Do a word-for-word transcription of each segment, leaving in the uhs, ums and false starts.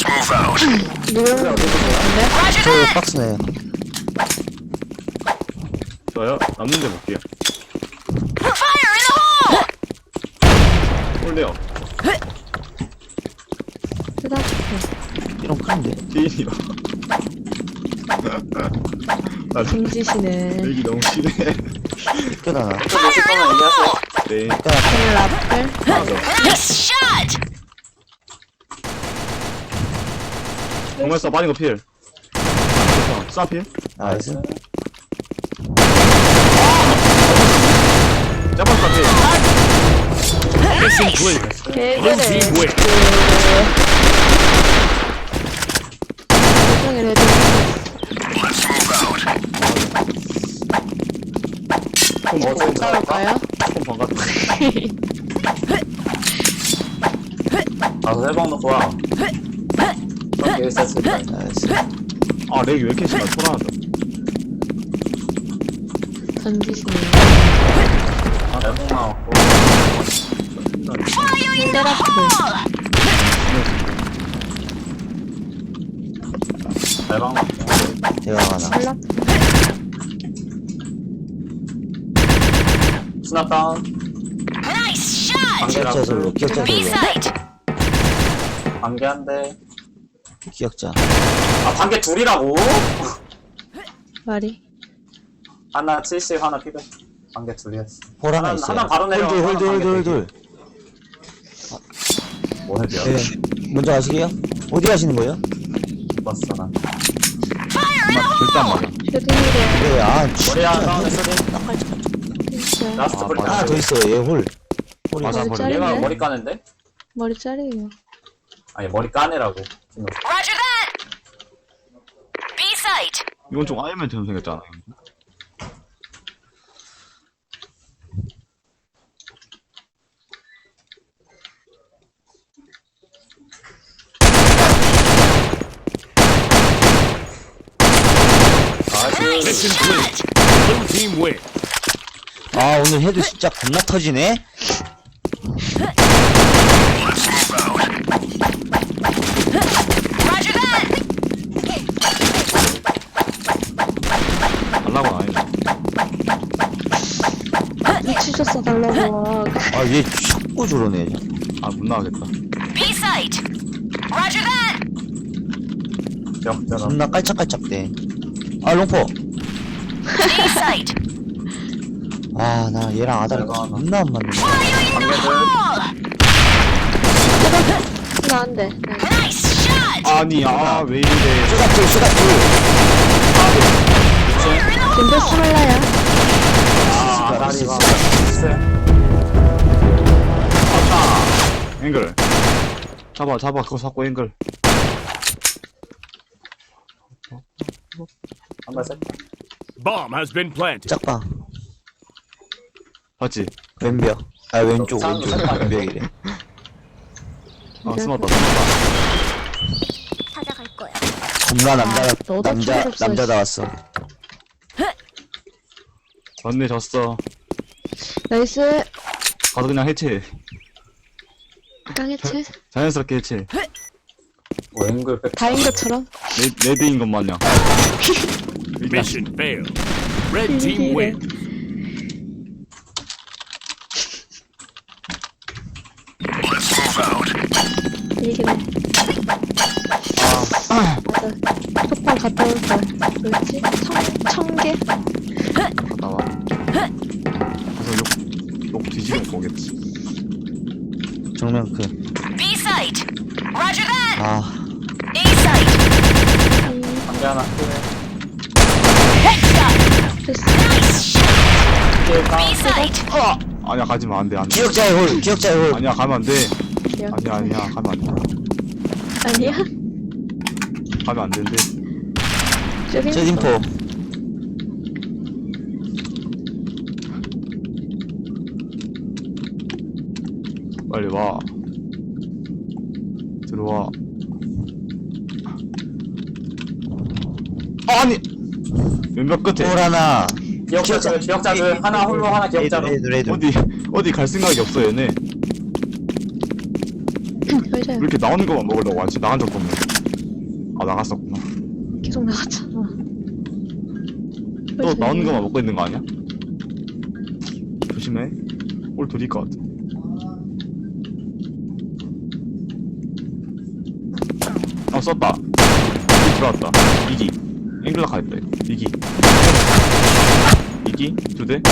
누구? 저 박스네요. 저요? 남는 데 볼게요. 홀대요. 이런 큰데. 제인이요. 나 김지시네. 얘기 너무 심해. 껴다나. 네. 오늘 라플. 맞아. 정말 써 빠진 거 필. 쏴 필. 나이스. 짜방 쏴 필. Mission clear. Blue 개그래. team win. 표정을 해도 좀 어제 싸울까요? 좀 반갑다. 가서 해방 놓고 와. 그렇게 했었으니까. 나이스. 아 렉이 왜 이렇게 심하? 초라하다. 던지시네. 아, 해방 나왔고. 힐라플. 해방 나왔고. 대강 하나. 힐라. 스납 다운. 기억자 솔로. 기억자 솔로. 관계 한 대. 기억자. 아, 관계 둘이라고? 말이. 하나 칠십, 하나 피백. 관계 둘이었어. 홀 하나 하나, 있어요. 하나 바로 내려. 홀들 홀들 하나 홀들 관계 홀들. 뭐 해줘요? 네. 먼저 가시게요? 어디 가시는 거예요? 봤어, 난. 절대 안 맞아. 슈딩이래. 네, 아, 머리 하나 다운 했어. 진짜. 라스트 아, 브리. 하나 더 있어요. 얘 홀. 홀이. 맞아, 머리 머리. 자르네. 얘가 머리 까는데? 머리 자르요. 아니, 머리 까내라고. 지금. 이건 좀 아이언맨처럼 생겼잖아. Mission clear. Blue team win. 아, 오늘 해도 진짜 겁나 터지네? 달라고 안 했네. 미치셨어 달라고. 아, 얘 자꾸 저러네. 아 못 나가겠다. 역전함. 겁나 깔짝깔짝대. 아, 롱포. 아, 나 얘랑 아다리 이거 하나. 겁나 안 맞네. 관계들. 나 안 돼. 아니 아 왜 이래. 수갑둘, 수갑둘. 근데 스몰라야. 아, 아다리가. 앵글. 잡아 잡아 그거 잡고 앵글. 한발 셋. Bomb has been planted. 짝방. 봤지? 왼벽. 아, 왼쪽, 짝- 왼쪽. 짝방. 왼벽이래. 아 숨었다. 찾아갈 거야. 겁나 남자, 너도 남자, 초록색. 남자다 왔어. 맞네 졌어. 나이스. 가서 그냥 해체. 깡해체. 자연스럽게 해체. 앵글 백. 다인 것처럼. 레, 레드인 것 마냥. 일단 Mission failed. Red team win. 이기네. 아, 맞아. 톡방 갔다 올 걸. 뭐였지? 청, 청개? 나와. 가서 욕, 욕 뒤지면 오겠지. 정면 그. 아, 관계 하나 피백. 됐어. 피백. 아니야 가지마 안돼 안돼. 기억자의 홀, 기억자의 홀. 아니야 가면 안돼. 기억. 아니야 아니야 가면 안돼. 아니야? 가면 안 되는데. 슈딩? 세진포. 빨리 와. 들어와. 아니 왼벽 끝에 홀 하나. 기억자들, 기억자들. 하나 홀로, 하나 기억자로. 레이드, 레이드. 어디 어디 갈 생각이 없어 얘네. 왜 맞아요. 이렇게 나오는 것만 먹으려고 하지? 나간 적도 없네. 아, 나갔었구나. 계속 나갔잖아. 또 나오는 것만 먹고 있는 거 아니야? 조심해. 올 둘일 것 같아. 어, 썼다. 이기 들어왔다. 이기. 앵글라 가있다, 이거. 이기. 이기? 두 대?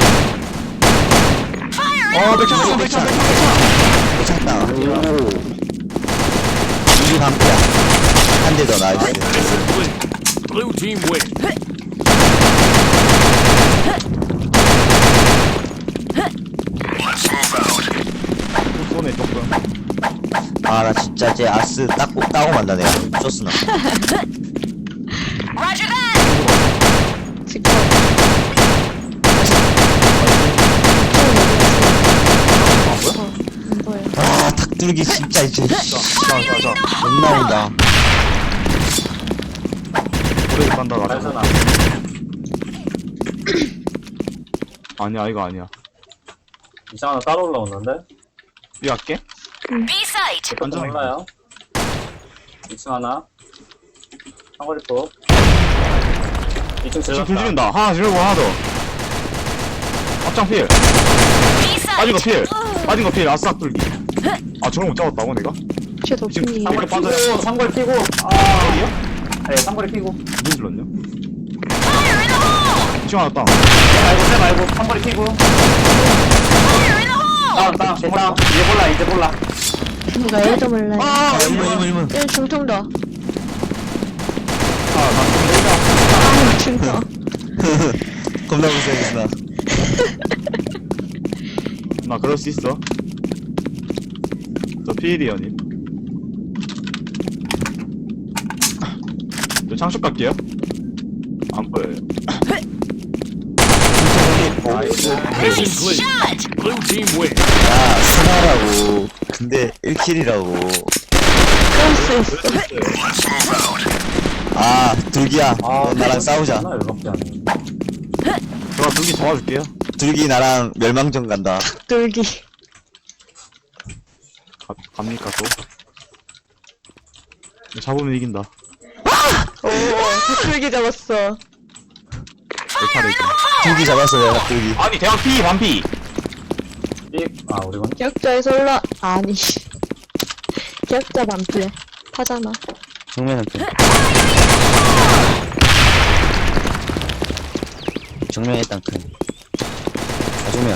어, 백창, 백창, 백창, 백창! 괜찮다. 오. 이기 반피야. 한 대 더 나이스. Mission clear. Blue team win. 또 쏘네, 조금. 아, 나 진짜 이제 아스 따고, 따고 만다, 내가. 쇼스나. 지금 안 보여. 아, 닭들기 진짜 이제. 자, 자, 자. 못 나온다. 오래 간다, 나. 발전아. 아니야, 이거 아니야. 이상 하나 따로 올라오는데? 이 할게? B-site. 이것도 안전하게. 몰라요. 이 층 하나. 상거리포. 이 층 지금 질렀다. 불 지른다. 하나 지르고 하나 더. 앞장 필. 빠진 거 B-site. 필. 빠진 거 필. 아싸 뚫기. 아, 저런 못 잡았다고, 내가? 쟤 덕분이 상거리 이렇게 피고, 빠져요. 상거리 피고. 아, 어디야? 네, 상거리 피고. 누군 질렀냐? 지금 하나 땅. 말고, 쟤 말고, 상거리 피고. 다운, 다운, 쟤 다운. 이제 몰라, 이제 몰라. 누가 일도 몰라요. 아, 일문, 일문, 일문. 일 중통도. 아, 아, 중통. 겁나 무서워, 나, 나 그럴 수 있어. 저 피일이요, 님. 저 창쇼 갈게요. 안 보여요. Mission clear. Blue team win. 야, 스나라고. 근데 일 킬이라고. 그럴 수 있어. 아, 둘기야. 아, 너 나랑 싸우자. 나 열받게 하네. 제가 두기 도와줄게요. 둘기 나랑 멸망전 간다. 뚫기. 가, 갑니까, 또? 잡으면 이긴다. 오, 뚫기 잡았어. 내 차례지. 둘기 잡았어, 내가 둘기. 아니, 대학 피, 반피. 삑. 아, 우리군. 기억자에서 올라, 아니. 기억자 반피래. 파잖아. 정면은 그. 정면에 일단 큰. 아, 정면.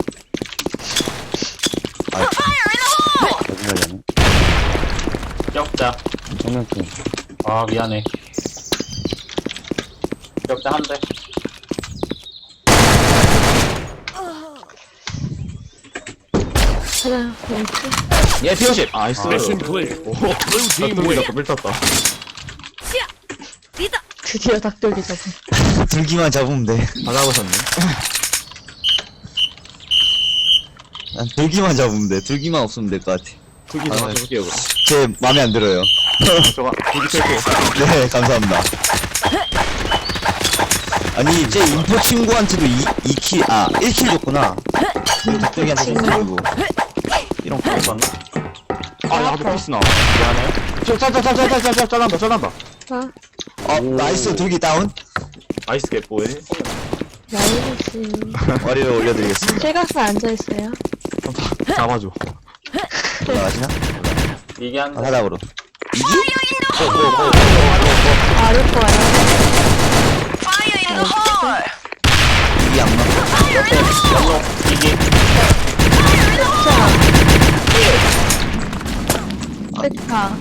아, 어디 가려네? 기억자. 정면 큰. 아, 미안해. 기억자 한 대. 하나, 왼쪽. 예, 피오십. 나이스. Mission clear. 오, Blue team 닭돌기 win. 잡고 밀 떴다. 드디어 닭돌기 잡은. 둘기만 잡으면 돼. 다 잡으셨네. 난 둘기만 잡으면 돼. 둘기만 없으면 될 것 같아. 두기 아, 다 해볼게요, 그럼. 제 맘에 안 들어요. 저가 두기 뺄게요. 네, 감사합니다. 아니, 제 인포 친구한테도 이, 이 킬, 아, 일 킬 줬구나. 닭돌기한테 일 킬 주고. 이런 거. 맞나? 아, 나도 피스 나와. 미안해. 저, 짜, 짜, 짜, 짜, 짜, 짜, 짜, 잘한다, 잘한다. 아, 어, 나이스, 둘기 다운. 나이스 개뽀해. 나이스. 머리를 올려드리겠습니다. 실각에 앉아있어요. 잡아줘. 올라가시나? 이게 한 아, 대. 사닥으로. 이기? 아를 거예요. Fire in the hole. 이기 안 맞고. 연록, 이기. 백파.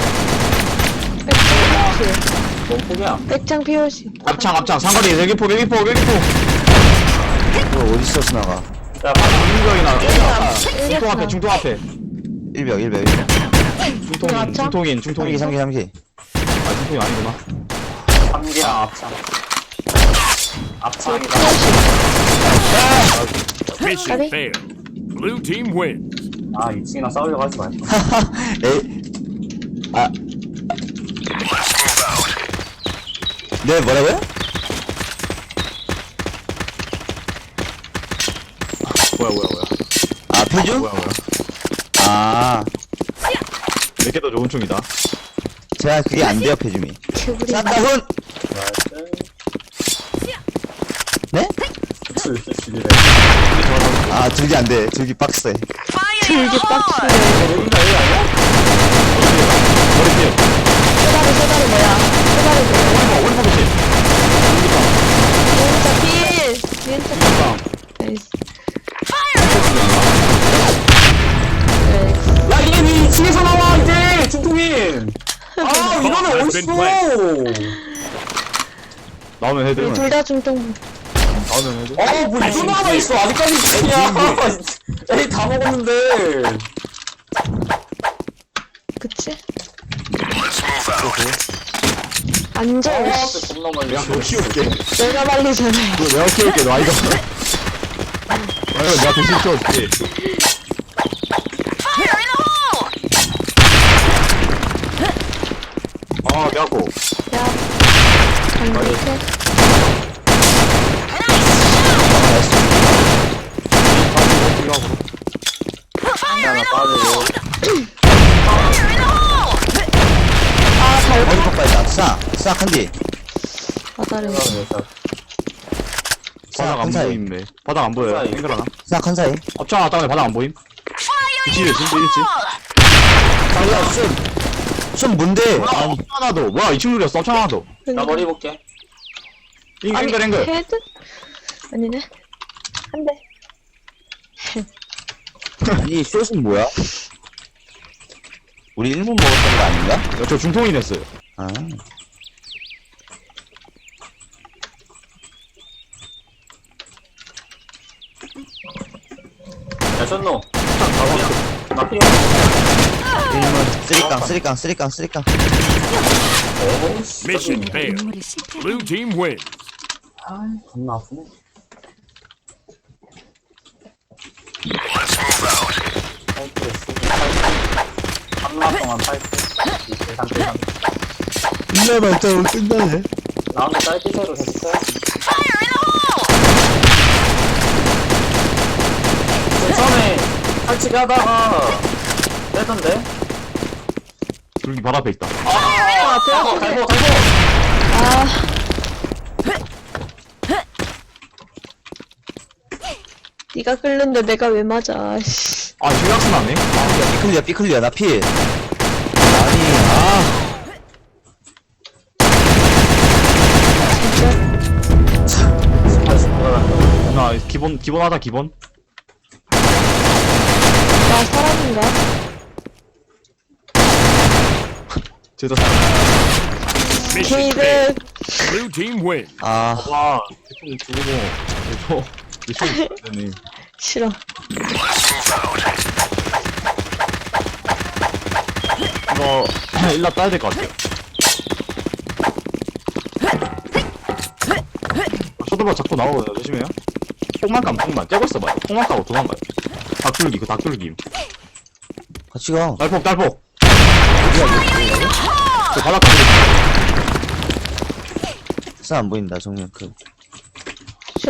백장 피오시. 뭔 폭이야? 백장 피오시. 앞창, 앞창. 상거리, 여기포, 여기포, 여기포. 이거 어디서 스나가? 야, 방금 중경이나. 중통 일격 앞에, 중통 앞에. 일벽, 일벽, 일벽. 중통인, 앞창? 중통인, 삼기, 중통인. 삼기, 삼기. 아, 중통이 아니구나. 삼기야, 앞창. 앞창이다. Mission Ready? failed. Blue team win. 아, 이 층이랑 싸우려고 하지 말고. 에이. 아. 네, 뭐라고요? 뭐야, 뭐야, 뭐야. 아, 표준? 뭐야, 뭐야. 아. 걔도 좋은 총이다. 제가 그게 안 돼요, 배줌이. 개구리. 쌌다, 훈! 네? 죽이래. 아, 들기 안 돼. 들기 빡세. Fire in 들기 the hole! 빡치네. 여긴가 여기 아니야? 머리 피해. 쏘다리, 쏘다리 뭐야? 쏘다리 뭐야? 오른쪽 피해. 진짜 필! 진짜 필! 나이스. 나이스. 야 이게 왜 이층에서 나와 이제 중통인. 아 이거는 Has been 어딨어? 나오면 해드. 둘 다 중통. 나오면 해드. 아뭐 이거 하나 있어 아직까지 이층이야. 에이 다 먹었는데. 그치? 앉아. 아 씨. 진짜 겁나 말려. 내가 키울게. 내가 말리잖아. 이거 내가 키울게. 너 아이가. 아이가 내가 대신 키워줄게. Fire in the hole! 아, 내가 고. 야. 반대해. 하나 빠지고. Fire in the hole! 아, 잘 머리 폭발이다. 싹, 싹 한 뒤. 바다를. 싹 바닥 한 안 사이. 보임, 매. 바닥 안 보여. 사이. 앵글 하나. 싹 한 사이. 앞장 하나 땅에 바닥 안 보임? Fire in 그치, the 진짜 hole! 달라, 쏨. 쏨 뭔데? 아, 앞장 하나 더. 뭐야, 이 친구 그렸어. 앞장 하나 더. 나 머리 볼게. 앵- 아니, 앵글, 앵글. 헤드? 아니네. 한 대. 아니, 숏은 뭐야? 우리 일 분 먹었던 거 아닌가? 야, 저 중통인 했어요. 아. 야 션노. 나 필요. 일 분. 쓰리깡, 쓰리깡, 쓰리깡, 쓰리깡. 어. Mission failed. Blue team wins. 아 겁나 아프네. 삼 라 동안 파이트. 이틀 삼틀 삼. 끝나 말자로 끝나네. 나오면 짧게새로 됐어. Fire in the hole! 처음에 탈취기 하다가 빼던데? 둘기 바로 앞에 있다. 아, 갈고, 갈고, 갈고! 아. 네가 끓는데 내가 왜 맞아, 씨. 아, 실각스 나네? 야, 삐클리야, 삐클리야, 나 피. 아니, 아. 나 기본, 기본 하자, 기본. 나 사람인가? 제자 Mission 게이드. failed. Blue team wins. 아, 와, 대충 죽고. 이거, 이거, 되네. 싫어. 이거, 일라 따야 될 것 같아요. 쇼도바 자꾸 나오거든요, 조심해요. 폭만 까면 폭만. 째고 있어봐요. 폭만 까고 도망가요. 닭줄기, 그 닭줄기. 같이 가. 딸폭, 딸폭. 저 바닥 가고 싹 안 보인다, 정면 그. 싫어.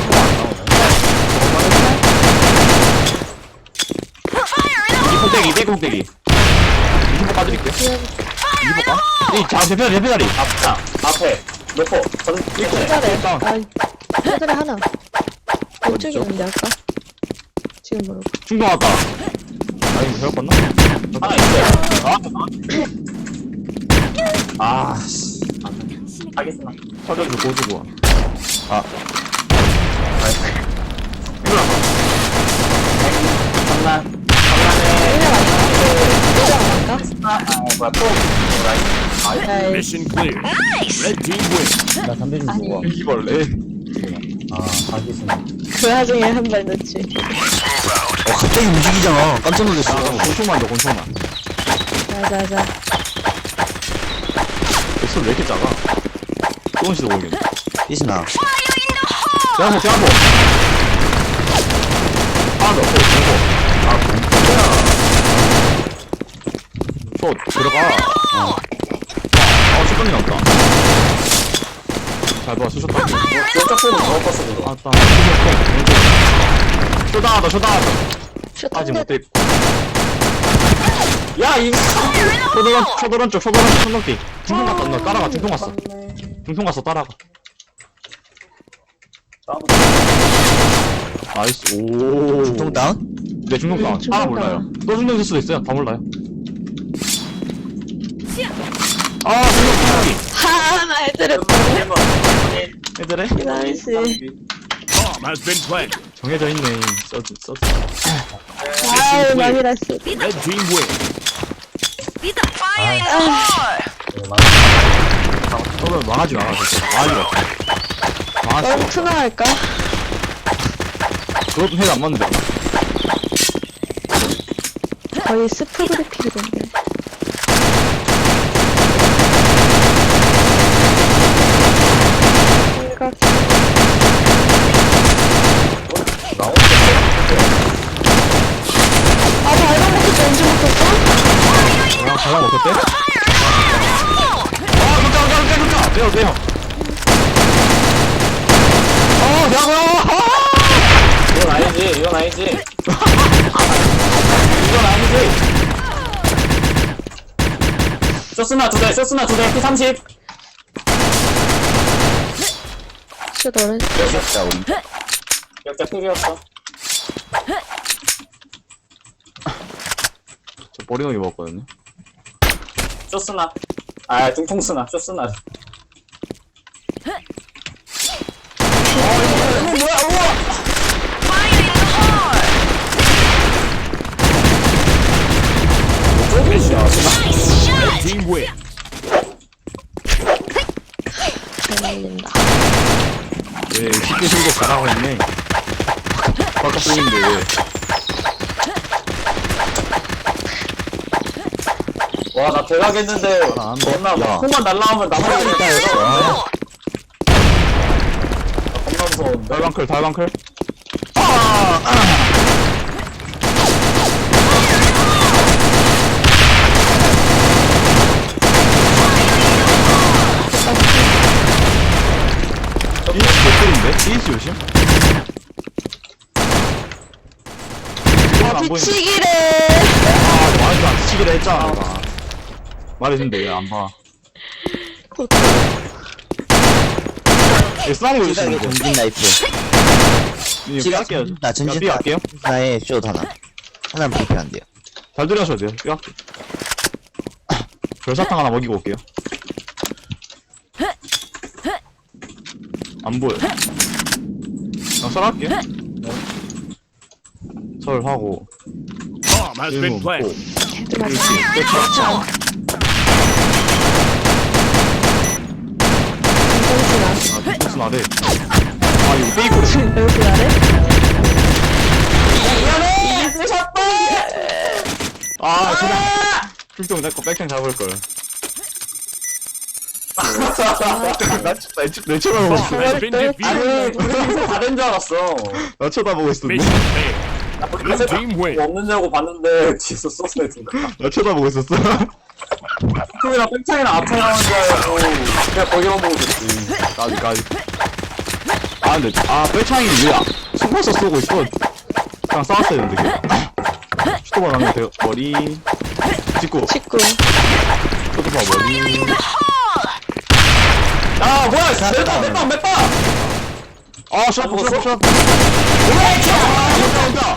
이 폭대기, 이 폭대기. 이 폭 빠드릴게요. 이 폭 까? 이, 자, 대표다리, 대표다리. 앞, 앞에, 놓고, 전, 이거. 헤드래. 다운. 아, 헤드래 하나. 왼쪽에 있는데, 아까? 지금 모르고. 충동 왔다. 아, 이거 배웠겠나? 하나 있어요. 아, 아, 씨. 알겠습니다. 서려주 고주고. 아, 이거 나가. 장난. 장난해. 이제 안 갈까? 아, 뭐야, 또. 뭐라, 야, Mission clear. Red team wins. 나 담배 좀 아니. 먹어. 일기벌레. 아, 알겠습니다. 그 와중에 한 발 넣지. 어, 갑자기 움직이잖아. 깜짝 놀랐어. 아, 곤충만 더, 곤충만. 자자자. 소리 왜 이렇게 작아? 조금씩도 보이겠네. 삐스나. 대한복, 대한복! 하나 더, 고, 고. 아, 뭐야. 저, 들어가. 어. 어, 슈퍼이 나왔다. 잘 봐, 수셨다. 왼쪽 보면 더 컸어, 그거. 아, 따. 쇼다 하다, 쇼다 하다. 슛 아직 한 못 대. 돼. 야, 이. 초도란, 초도란 쪽, 초도란 쪽, 천덕띠. 중통 갔다, 너 따라가, 중통 갔어. 중통 갔어, 따라가. 나이스, 오. 중통 다운? 네, 중통 다운. 중통 하나 다운. 몰라요. 또 중통 있을 수도 있어요. 다 몰라요. 아, 중통 타기. 하나 애들을 애들의 나이스. Bomb has been planted. 정해져 있네. 써드, 써드. 아유 많이 났어. Red team win. Fire in the hole! 서로 망하지 마. 진짜. 망하지 마. 망하지 마. 너무 투나할까? 그것도 해도 안 맞는데. 거의 스프 그래픽이던데. 생각. 아 발광 먹혔지 언제 먹혔어? 아, 가방 먹혔대? 아, 깜짝, 깜짝, 깜짝! 빼요, 빼요. 어, 대학원! 이건 아니지, 이건 아니지. 이건 아니지. 쇼스나 두 대, 쇼스나 두 대, 피 삼십. 진짜 너는 자, 우리. 역자 필이었어. 저 버리노기 먹었거든요. 쇼스나. 아, 중통스나, 쇼스나. Fire in the hole! Nice shot! Team win. 잘 날린다. 왜, 쉽게 실고 가라고 했네. 바깥 쓰는데 왜. 와, 나 대박했는데. 아, 안 돼. 겁나, 야. 콩만 날라오면 나머지 일단 이거. 아, 겁나 무서운데. 달방클, 달방클. 이스 개꿀인데? 이스 조심. 안 보이는데. 뒤치기래. 아, 말도 안 치기로 했잖아, 내가. 말했는데 왜 안 봐. 얘 싸운 거 시각의 있으면 전진 나이프. 이거 시각 뺄게요. 나 전진 삐 할게요. 나의 숏 하나. 하나는 불편한 돼요. 잘 들여하셔도 돼요. 삐 할게. 별사탕 하나 먹이고 올게요. 안 보여. 나 설할게. 설하고. Bomb has been 일문 planted. 걔도 맞아. 아, 디펜스 나래. 아, 이거 페이크를. 여기 아래? 아, 그냥. 출동 내거 백창 잡을걸. 나, 내 쳐다보고 있어. Has been defeated. 아니, 그래서 다른 줄 알았어. 나 쳐다보고 있었는데. Mission failed. 나 Blue 그래서 team win. 뭐 없느냐고 봤는데, 뒤에서 소스에 든 거야. 나 쳐다보고 있었어. 콩이랑 뺑창이랑 앞에 나오는 줄 알고, 그냥 거기만 보고 있었지. 까지, 까지. 아, 근데, 아, 뺄창이 왜, 숨어서 쏘고 있어. 그냥 싸웠어야 되는데, 걔. 슈터볼 하면 돼요. 머리. 찍고. 직구. 슈터볼 머리. 아, 뭐야, 몇 방, 몇 방, 몇 방! 아, 샷, 먹었어? 샷, 샷. 아, 온다, 온다.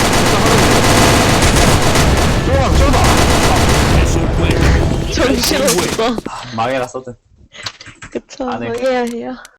쏘다, 쏘다. Mission clear. 정신 없어. 망해라, 써든. 그쵸. 안 해. 해야 해요.